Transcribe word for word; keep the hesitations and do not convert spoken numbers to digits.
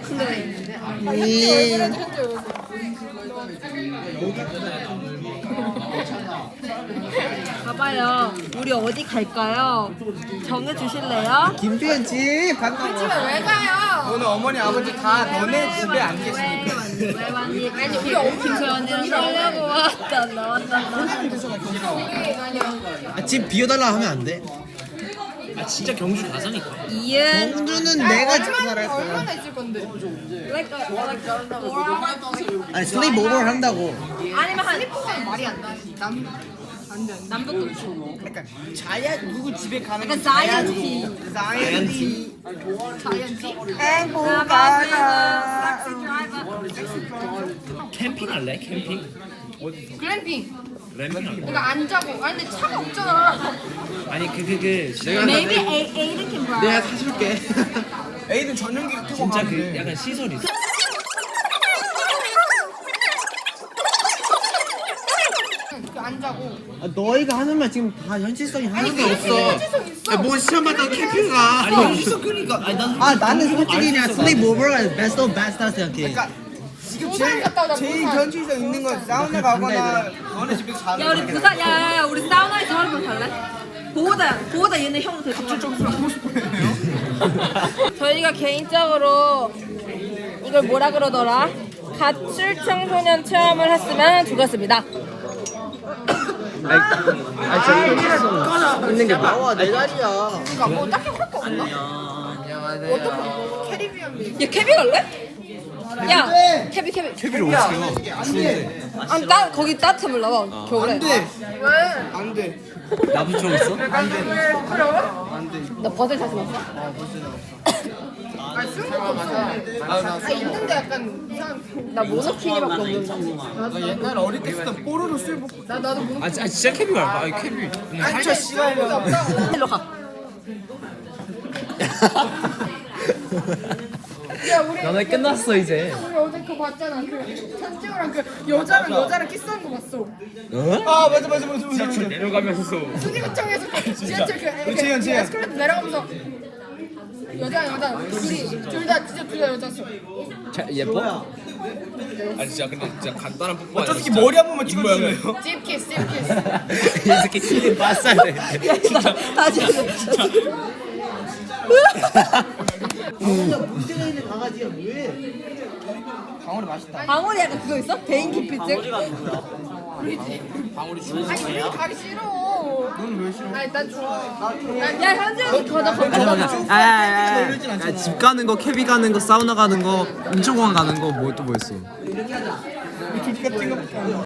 근데 봐봐요. 우리 어디 갈까요? 정해 주실래요? 김태현 집 반가워. 집에 왜 가요? 오늘 어머니 아버지 다 너네 집에 안 계시니까. 왜 왔니? 아니 우리 엄마 김서연이랑 살려고 왔다 나왔다. 아, 집 비워달라 하면 안 돼. 아 진짜 경주 가자니까. 이은 경주는 내가 집 살할 거야. 얼마나 있을 건데? like a, like a, 아니 슬립 오버를 한다고. 아니면 한 그건 말이 안 나. 남 남북도 있고. 약간 자야 누구 집에 가는 약간 자이언티. 자이언티. 자이언티? 행복하다. 캠핑 할래? 캠핑? 글램핑. 램핑 할래? 이거 안 자고. 아니 근데 차가 없잖아. 아니 그 그 그 내가 Maybe A Aiden can drive. 내가 사줄게. 에이든 전용기 타고 진짜 가면 그 돼. 약간 시설이 있어. 안 자고. 아, 너희가 하는 말 지금 다 현실성이 하나도 그게 없어. 현실성 있어. 뭔 시험 봤다고 캠핑 가. 아니 현실성 그러니까. 아니 난 아 나는 솔직히 그냥 슬립 오버가 베스트 오브 베스트라 생각해. 그러니까 지금 부산 제일, 갔다 오자, 제일 부산. 현실성 있는 건 사우나 가거나 너네 집에서 자는 야 우리 거야. 부산 야야야 우리 사우나에서 하는 거 갈래? 보호다 보호다 얘네 형 데리고 가. 저희가 개인적으로 이걸 뭐라 그러더라? 가출 청소년 체험을 했으면 좋겠습니다. 아 저기 있는 게 나와 내 자리야. 그러니까 뭐 딱히 할 거 없나? 어떻게 캐리비안 야 캐비 갈래? 야 캐비 캐비 캐비를 어떻게 가? 아니 나 거기 따뜻해 몰라 봐 겨울에. 돼. 왜? 안 돼. 나부처 있어? 나 버들 다시 봤어? 아 쓰는 것도 없어. 아 있는데 약간 이상. 나 모노키니밖에 없는데. 나 옛날 어릴 때 쓰던 뽀로로 술 먹고. 나 나도 뭐. 아, 아 진짜 캐비 갈까? 아니 캐비. 그냥 한쳐 씨발려. 일로 가. 야 우리 너네 끝났어 이제. 우리 어제 그거 봤잖아. 그 천지우랑 그 여자랑 여자랑 키스하는 거 봤어. 아 맞아 맞아 맞아 맞아. 맞아. 내려가면서. 수기구청에서 그 지하철 그 그치, 그치. 에스컬레이터 내려가면서 여자 여자 둘이 둘 다 진짜 둘 다 여자였어. 자, 예뻐? 아니 진짜 근데 진짜 간단한 뽀뽀 저 새끼 머리 한 번만 찍어주세요. 집 키스 집 키스. 이 새끼 키리 빠싸네. 진짜 다시 하자. 문제가 있는 강아지야 뭐해? 방울이 맛있다. 방울이 약간 그거 있어? 개인 기피증? 방울이 죽은 아니 우리 가기 싫어. 너는 왜 싫어? 아니 난 좋아. 야 현지 형이 가자 가자. 아야야야 집 가는 거 캐비 가는 거 사우나 가는 거 인천공항 가는 거 뭐 또 뭐였어? 둘 같은 거.